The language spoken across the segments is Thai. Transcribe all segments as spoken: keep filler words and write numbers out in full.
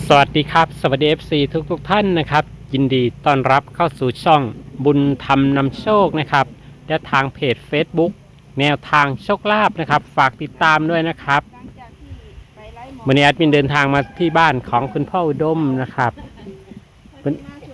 สวัสดีครับสวัสดี เอฟ ซี ทุกทุกท่านนะครับยินดีต้อนรับเข้าสู่ช่องบุญธรรมนำโชคนะครับและทางเพจ Facebook แนวทางโชคลาภนะครับฝากติดตามด้วยนะครับวันนี้แอดมินเดินทางมาที่บ้านของคุณพ่ออุดมนะครับวัน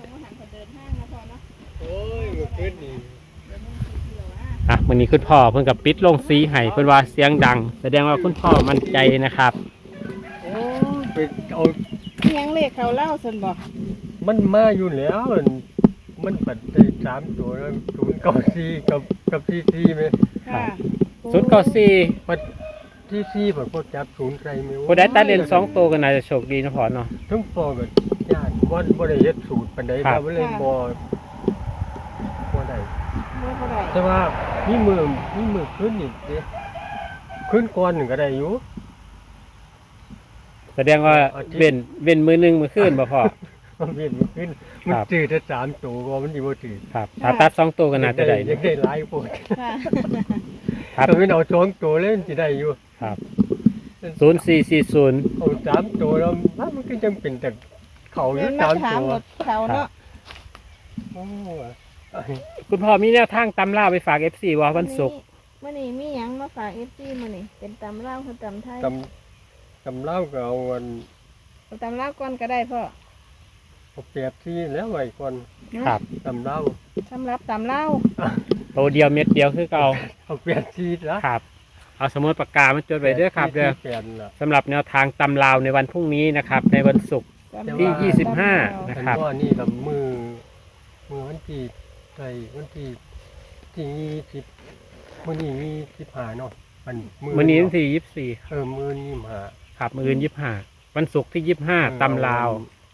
อ่ะวันนี้คุณพ่อเพิ่งกับปิดลงสีให้เพิ่นว่าเสียงดังแสดงว่าคุณพ่อมั่นใจนะครับโอ้ไปเอาเลี้ยงเลขเขาเล่าส่วนบอกมันมาอยู่แล้วมันปัดได้สามตัวแล้วศูนย์เก้าสี่กับกับที่สี่ไหมค่ะศูนย์เก้าสี่ปัดที่สี่ผมก็จับศูนย์ใจไม่พอได้ตัดเลนสองตัวก็น่าจะโชคดีนะพ่อเนาะทั้งปอแบบญาติวันบ่ได้เฮ็ดสูตรปานใดเราบ่เลยบ่บ่ได้แต่ว่ามีมือมีมือขึ้นอีกเด้ขึ้นก่อนหนึ่งก็ได้อยู่แสดงว่าเว้นเว้นมือหนึ่งมือขึ้นบ่พ่อมันเว้นมือขึ้นมันจืดแต่สามตัวก็มันดีบ่จืดครับถ้าตัดสองตัวก็น่าจะได้ยังได้หลายโพดครับถ้าเป็นเอาสองตัวเล่นสิได้อยู่ครับศูนย์สี่สี่ศูนย์เอาสามตัวแล้วมันก็ยังเป็นแต่เขาอยู่สามตัวเขาเนาะคุณพ่อมีแนวทางตำราไปฝาก เอฟ ซี ว่าวันศุกร์มื้อนี้มีหยังมาฝาก เอฟ ซี มื้อนี้เป็นตำลาวคือตำไทยตำเล่าก็เอาวันตำลาวก่อนก็ได้พ่อเอาแปดที่แล้วไว้ก่อนครับตำเล่าสำหรับตำลาวโตเดียวเม็ดเดียวคือเก่าเอาแปดที่แล้วครับเอาสมุดปากกามาจดไว้ด้วยครับเด้อสำหรับแนวทางตำลาวในวันพรุ่งนี้นะครับในวันศุกร์ที่ยี่สิบห้านะครับว่านี่กับมือมือวันที่ใส่วันที่ที่ยี่สิบมือนี้มีสิบห้าเนาะมันมือนี้วันที่ยี่สิบสี่เออมือนี้มาครับมือยี่สิบห้าวันศุกร์ที่ยี่สิบห้าตำลาว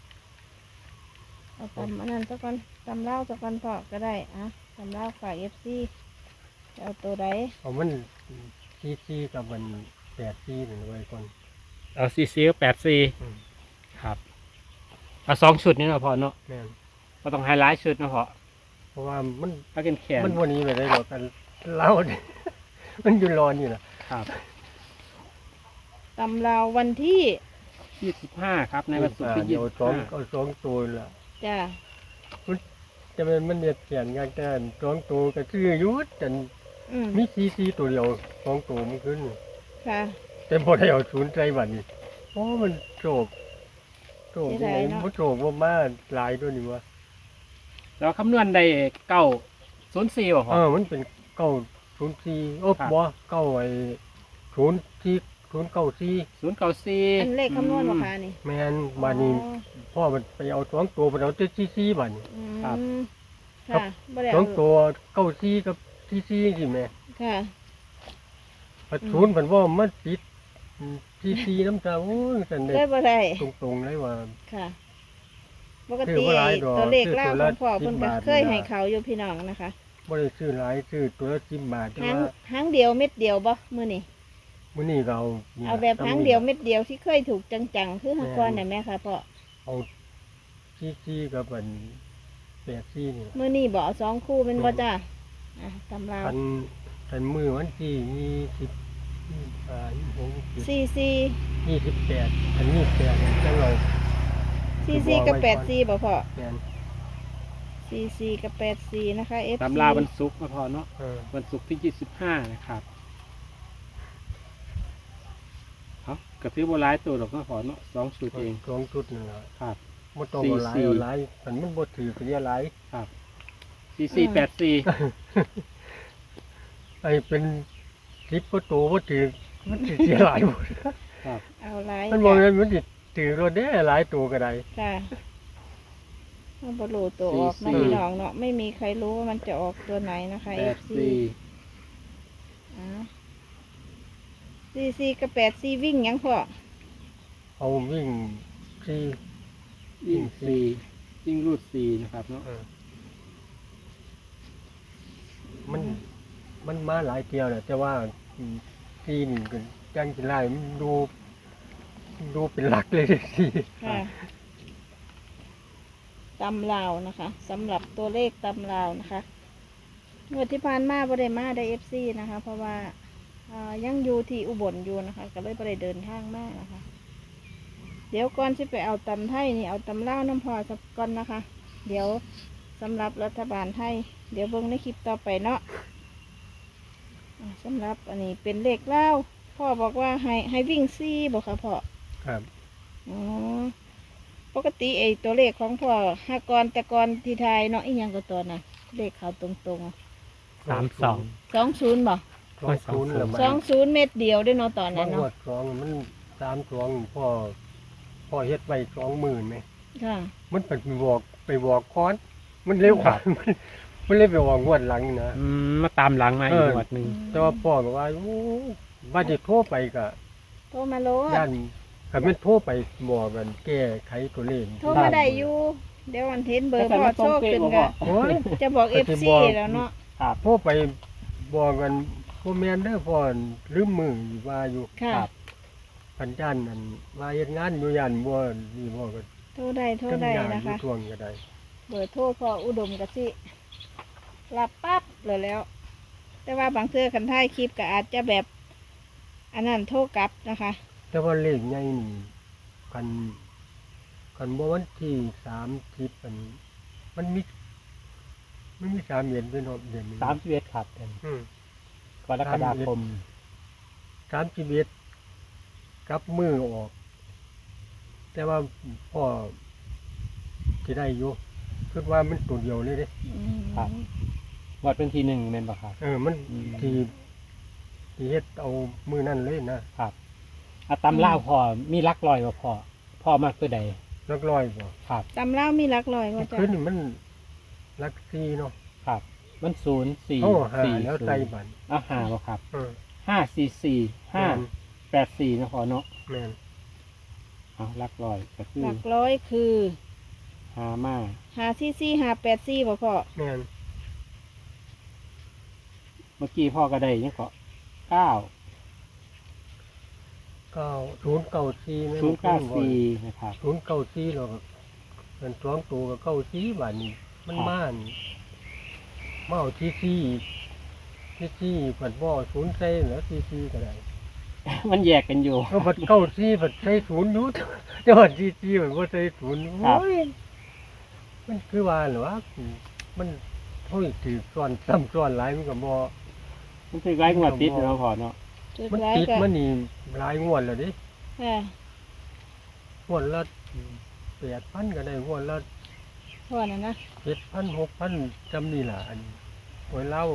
เอาตำอันนั้นสักวันตำลาวสักวันพอก็ได้อะตำลาวฝาก เอฟ ซี เอาตัวใดเอามันซีซีกับมันแปดซีหนึ่งไว้ก่อนเอาซีซีก็แปดซีครับเอาสองชุดนี่เนาะพอเนาะก็ต้องไฮไลท์ชุดนะพอเพราะว่ามันถ้าเป็นแขนมันวันนี้ไม่ได้หรอกกันเล่ามันอยู่รออยู่นะครับตำลาววันที่ยี่สิบห้าครับในวันศุกร์ที่ยี่สิบห้าเอาสองตัวละจ้าจะเป็นมันเนียดเขียนงานแต่สองตัวก็ชื่อยุทธแต่มีซีซีตัวเดียวสองตัวมันขึ้นค่ะแต่พอได้เอาศูนย์ใจบัดนี้โอ้มันโจกโจกยังไงมันโจกว่ามาหลายด้วยนี่วะแล้วคำนวณได้เก้าศูนย์สี่ป่ะเออมันเป็นเก้าศูนย์สี่โอ้บ่เก้าไอ้ศูนย์ที่ศูนย์เก้าสี่ศูนย์เก้าสี่อันเลขคำนวณราคานี่แมนบานี้พ่อมันไปเอาสองตัวไปเอาเจ็ดสี่สี่บัดนี้ครับค่ะสองตัวเก้าสี่กับสี่สี่สิแม่ค่ะปัดศูนย์มันว่ามันปิดสี่สี่น้ำตาโอ้ยสันเด็ดตรงๆเลยว่าค่ะปกติตัวเลขล่าของพ่อเพิ่นก็เคยให้เขาอยู่พี่น้องนะคะบ่ได้ซื้อหลายซื้อตัวละสิบบาทหางหางเดียวเม็ดเดียวบ่มื้อนี้มื้อนี้เราเอาแบบหางเดียวเม็ดเดียวที่เคยถูกจังๆคือหางก้อนได้ไหมคะพ่อเอาซี่ๆกับอันแปดซี่นี่มื้อนี้บ่สองคู่เป็นบ่จ้าอ่ะตำราอันอันมื้อวันที่ยี่สิบอ่ายี่สิบหกสี่สี่ยี่สิบแปดอันนี้แปดจังเราสี่สี่กับแปดสี่บ่พ่อสี่สี่กับแปดสี่นะคะเอฟตำราวันศุกร์มาพอเนาะวันศุกร์ที่ยี่สิบห้านะครับเขากระทืบโบราณตัวหรอกก็พอเนาะสองชุดเองสองชุดนึงครับมันต้องโบราณโบราณมันมันบดถือเป็นอะไรครับสี่สี่แปดสี่ไอเป็นคลิปก็ตัวบดถือมันถือเสียหลายหมดครับเอาหลายมันบอกเลยมันติดถือรถได้หลายตัวก็ได้ค่ะมันบรรลุตัวออกน้องน้องเนาะไม่มีใครรู้ว่ามันจะออกตัวไหนนะคะเอฟซีอ่าซีซีกับแปดซีวิ่งยังพอเอาวิ่งซีวิ่งซีวิ่งรูดซีนะครับเนาะมันมันมาหลายเที่ยวแหละแต่ว่าซีนี่ก็ยังจะไล่ดูดูเป็นหลักเลยสิตำลาวนะคะสำหรับตัวเลขตำลาวนะคะงวดที่ผ่านมาบ่ได้มาได้เอฟซีนะคะเพราะว่ายังอยู่ที่อุบลอยู่นะคะก็เลยบ่ได้เดินทางมากนะคะเดี๋ยวก่อนที่ไปเอาตำไทยนี่เอาตำเล่าวน้ำพอสักก่อนนะคะ เดี๋ยวสำหรับรัฐบาลไทย เดี๋ยวเบิ่งในคลิปต่อไปเนาะอ่าสำหรับอันนี้เป็นเลขเล่าวพ่อบอกว่าให้ให้วิ่งซี่บอกค่ะพ่อครับอ๋อปกติไอ้ตัวเลขของพ่อห้ากรแต่กรที่ไทยเนาะอีกอย่างก็ตัวน่ะเลขเขาตรงสามสองๆสองศูนย์บ่สองศูนย์แล้วมันสองศูนย์เม็ดเดียวด้วยเนาะตอนมันั้น นหมเนาะดสองมันสามสองพ่อพ่อเฮ็ดไว้สองหมื่นไหมค่ะมันเป็นไปบอกไปบอกค้อน มันเร็วกว่ามันมันเลยไปบอกงวดหลังนะอืมมาตามหลังมาอีกเออหมวดหนึ่งแต่ว่าพ่อก็ว่าโอ้ว่าจะโทรไปก็โทรมาโลดย่านถ้ามันโทรไปบอกกันแก้ไขตัวเลขโทรมาได้อยู่ เดี๋ยววันเทนเบอร์พ่อโชคขึ้นก็โอ้ยจะบอกเอก็ฟสิซีบอกแล้วเนาะครับโทรไปบอกกันพ่อแม่นเด้อพ่อลืมมืออยู่ว่าอยู่ค่ะครับพันจันนั่นว่าเฮ็ดงานอยู่ย่านบ่นี่บ่ก็โทรได้โทรได้ทำงานนะอยู่คะช่วงก็ได้เบอร์โทรพ่ออุดมกะสิรับปั๊บเลยแล้ว แต่ว่าบางเทื่อคันท้ายคลิปก็อาจจะแบบ อันนั้นโทรกลับนะคะแต่ว่าเลขใหญ่นี่คันคันบ่วันที่สามสิบมันมันมีมันมีสามเดือนด้วยเนาะเดือนนี้สามสิบเอ็ดครับเป็นอืมกรกฎาคมสามสิบเอ็ดกลับมือออก แต่ว่าพ่อสิได้อยู่คิดว่ามันตัวเดียวเลยเด้อืมครับ วัดเป็นทีหนึ่งเมนบ่ครับเออ มันอืมที่ที่เฮ็ดเอามือนั่นเลยนะครับอาตำเล่าวพอมีลักลอยว่าพอพ่อมากตัวใดลักร้อยบ่ครับตำเล่ามีหลักลอยว่าจะคืนนี่มันลักซีเนาะครับ มันศูนย์สี่เขาหาสี่แล้วศูใจนย์บันอ่ะหาบ่ครับเออห้าสี่สี่ห้าแม่นแปดสี่นะพอเนาะแม่นเอาลักลอยก็คือหลักร้อยคือหามาหาซี่ซี่หาแปดซี่บ่พ่อแม่นเมื่อกี้พ่อก็ได้ยังก็เก้าเก้าศูนย์เก้าซีแม่ศูนย์เก้าสี่นะครับศูนย์เก้าซีเราก็เป็นสองตัวกับเก้าซีบาทนี้มันม่านมาเอาซีซีอีกซีซีผัดบ่อศูนย์ใส่แล้วซีซีก็ได้มันแยกกันอยู่ก็ผัดเก้าซีผัดใส่ศูนย์อยู่ แต่ว่าซีซีมันบ่ใส่ศูนย์ครับโอ้ยมันคือว่าเหรอวะมันเฮ้ยถือซ้อนซ้ำซ้อนหลายมันก็บ่มันคือไร้งวดติดเนาะพอเนาะจุดมันร้ายติดก็มันนี่หลายงวดแล้วดิค่ะงวดละแปดพันก็ได้งวดละพ่อน่ะนะเจ็ดพันหกพันจำนี่ล่ะอันหวยเล่า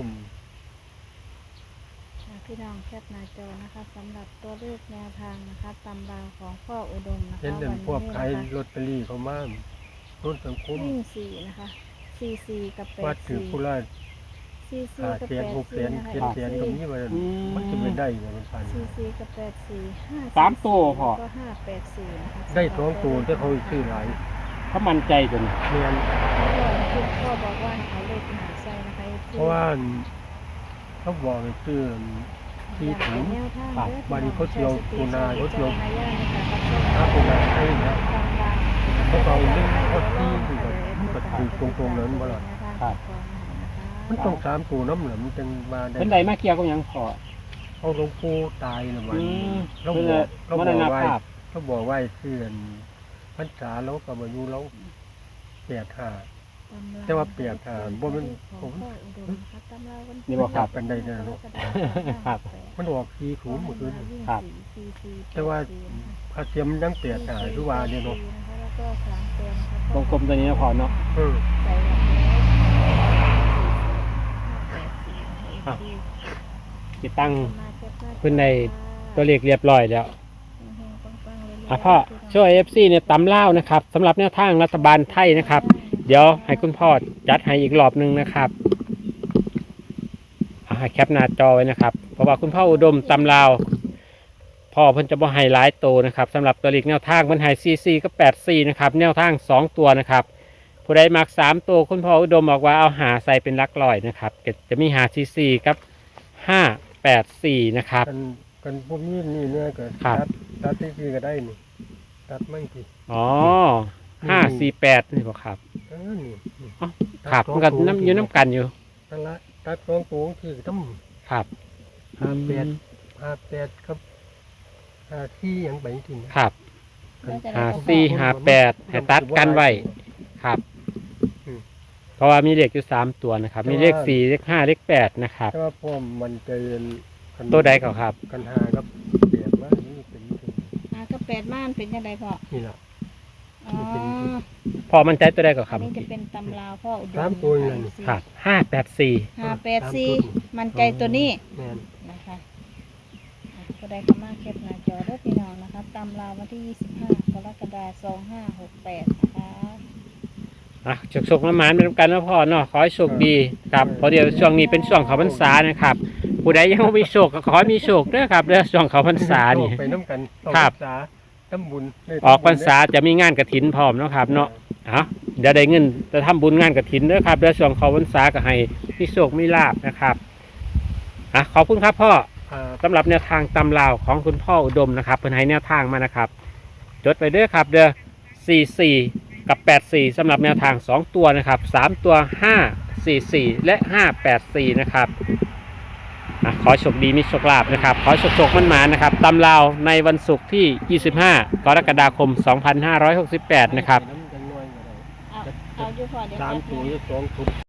อ่าพี่น้องแคปหน้าจอนะคะสำหรับตัวเลขแนวทางนะคะตำราวของพ่ออุดมนะคะเห็นเดินวันพวกนี้ขายนะคะลอตเตอรี่เขามาต้นสังคมวิ่งสี่นะคะสี่สี่กับแปว่าดถือสี่ผู้ละสี่สี่ห้ากับแสแปนดหกแสสี่นนะคะเจ็ดแสนตรงนี้มันอืมมันจะไม่ได้ว่ามันพันสี่สี่กับแปดสี่ห้าสามตัวพอแล้วก็ห้าแปดสี่นะคะได้สองตัวแต่เขาซื้อหลายเขามั่นใจจนเนียนคุณพ่อบอกว่าให้เอาเลขหาใส่นะคะเพราะว่าเขาบอกให้ซื้อที่ถุง บาดนี้เขาเจียวปูนาเขาเจียว ถ้าคนละให้นะเขาเอาเรื่องเขาที่ที่แบบมันก็ถือตรงๆนั้นบ่ล่ะครับมันต้องสามตัวน้ำเหลืองมันจึงมาได้เพิ่นใดมาเกี่ยวกับหยังพอเอาหลวงปู่ตายแล้วมันอืมเราเพิ่นบอน่ะกเรามบรอกณไว้ภาพเขาบอกไว้เสื่อนพรรษาเรากับอายุเราแปดห้า แต่ว่าเปียกอ่ะบ่แม่นผมนี่บ่ครับเป็นได้เด้อลูกครับมันออกสี่ศูนย์เมื่อคืนครับแต่ว่าพระเทียมยังแปดห้าหรือว่าเนี่ยเนาะวงกลมตัวนี้นะพอเนาะเอออ่ะ ติดตั้งเพิ่นในตัวเลขเรียบร้อยแล้วอ่ะพ่อช่วย เอฟ ซี เนี่ยตำเล่าวนะครับสำหรับแนวทางรัฐบาลไทยนะครับ เดี๋ยวให้คุณพ่อจัดให้อีกรอบหนึงนะครับอ่ะให้แคปหน้าจอไว้นะครับ เพราะว่าคุณพ่ออุดมตำลาวพ่อเพิ่นจะบ่ให้หลายตัวนะครับสำหรับตัวเลขแนวทางเพิ่นให้ซีซีก็แปดสี่นะครับแนวทางสองตัวนะครับผู้ใดมักสามตัวคุณพ่ออุดมบอกว่าเอาหาใส่เป็นหลักร้อยนะครับก็จะมีหาซีซีกับห้าแปดสี่นะครับกันกันพวกนี้นี่เนี่ยก็ครับตัดตัดที่สี่ก็ได้นี่ตัดมั่งสิอ๋อห้าสี่แปดนี่บ่ครับเออนี่นี่อ๋อครับมันก็น้ำอยู่น้ำกันอยู่นั่นละตัดสองตัวที่ต้องครับห้าแปดห้าแปดครับห้าที่ยังไปจริงครับกแล้วจะได้หาบ่พอสี่หาแปดให้ตัดกันไว้ครับ เพราะว่ามีเลขอยู่สามตัวนะครับ มีเลขสี่เลขห้าเลขแปดนะครับแต่ว่าพ่อมันจะเรียนคันตัวใดเขาครับกันหากับเปียกมากนี่เป็นเป็นหากับแปดม่านเป็นยังไงพ่อนี่ล่ะอ๋อพอมันใจตัวใดเขาคอัรันบนี้จะเป็นตำราวพ่ออุดมสามตัวนั่นครับห้าแปดสี่ห้าแปดสี่มันใจตัวนี้แม่นนะคะอ่ะก็ได้เข้ามาแคปหน้าจอเด้อพี่น้องนะคะตำราววันที่ยี่สิบห้ากรกฎาคมสองห้าหกแปดนะคะอ่ะโชคๆน้ำมันเป็นกันนะพ่อเนาะขอให้โชคดีครับเพราะเดี๋ยวช่วงนี้เป็นช่วงเขาพรรษานะครับ ผู้ใดยังไม่มีโชคก็ขอให้มีโชคด้วยครับเรื่องช่วงเขาพรรษานี่ไปน้ำกันเข้าครับพรรษาทำบุญได้ออกพรรษาจะมีงานกฐินพร้อมเนาะครับเนาะเอาเดี๋ยวได้เงินจะทำบุญงานกฐินด้วยครับเดี๋ยวช่วงเขาพรรษาก็ให้มีโชคมีลาภนะครับอ่ะขอบคุณครับพ่อครับสำหรับแนวทางตำราวของคุณพ่ออุดมนะครับเพิ่นให้แนวทางมานะครับจดไปเด้อครับเด้อสี่สี่กับแปดสี่สำหรับแนวทางสองตัวนะครับสามตัวห้าสี่สี่และห้าแปดสี่นะครับอ่ะขอโชคดีมีโชคลาภนะครับขอโชคโชคมั่นหมานนะครับตำราวในวันศุกร์ที่ยี่สิบห้ากรกฎาคมสองพันห้าร้อยหกสิบแปดนะครับน้ำจังน้อยก็ได้เอาเอาอยู่พอเดี๋ยวสามแป๊บตัวนึงสองทุบ